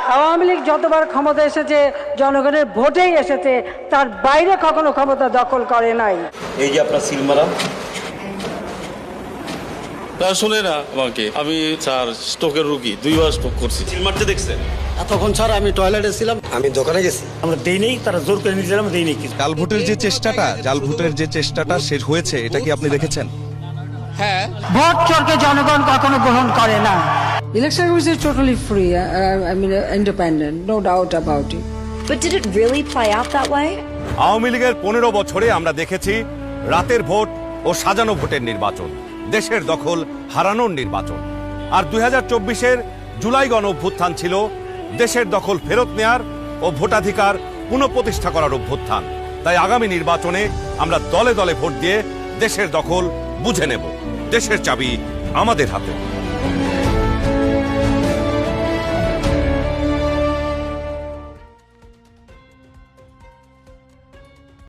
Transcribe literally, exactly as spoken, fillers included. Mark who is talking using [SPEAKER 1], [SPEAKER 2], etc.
[SPEAKER 1] আওয়ামী লীগ যতবার ক্ষমতা এসেছে জনগণের ভোটেই এসেছে, তার বাইরে কখনো ক্ষমতা দখল করে নাই।
[SPEAKER 2] এই যে আপনার সিলমারা
[SPEAKER 3] শুনে না আমাকে, আমি স্যার স্ট্রোকের রুগী, দুইবার স্ট্রোক করছি।
[SPEAKER 2] সিল মারতে দেখছেন?
[SPEAKER 4] তখন স্যার আমি টয়লেটে ছিলাম,
[SPEAKER 5] আমি দোকানে গেছি,
[SPEAKER 4] আমরা দেই নেই, তারা জোর করে নিয়েছিলাম, দেই নেই কিছু।
[SPEAKER 6] জাল ভোটের যে চেষ্টাটা জাল ভোটের যে চেষ্টাটা শেষ হয়েছে, এটা কি আপনি দেখেছেন?
[SPEAKER 7] হ্যাঁ,
[SPEAKER 1] ভোট চোরকে জনগণ কখনো গ্রহণ করে না। Election was totally free, uh, I mean uh, independent, no doubt about it.
[SPEAKER 8] But did it really play out that way?
[SPEAKER 9] Awami লীগের পনেরো বছরে আমরা দেখেছি রাতের ভোট ও সাজানো ভোটের নির্বাচন, দেশের দখল হারানোর নির্বাচন। আর দুই হাজার চব্বিশের জুলাই গণ অভ্যুত্থান ছিল দেশের দখল ফেরত নেয়ার ও ভোটাধিকার পুনঃপ্রতিষ্ঠা করার অভ্যুত্থান। তাই আগামী নির্বাচনে আমরা দলে দলে ভোট দিয়ে দেশের দখল বুঝে নেব। দেশের চাবি আমাদের হাতে।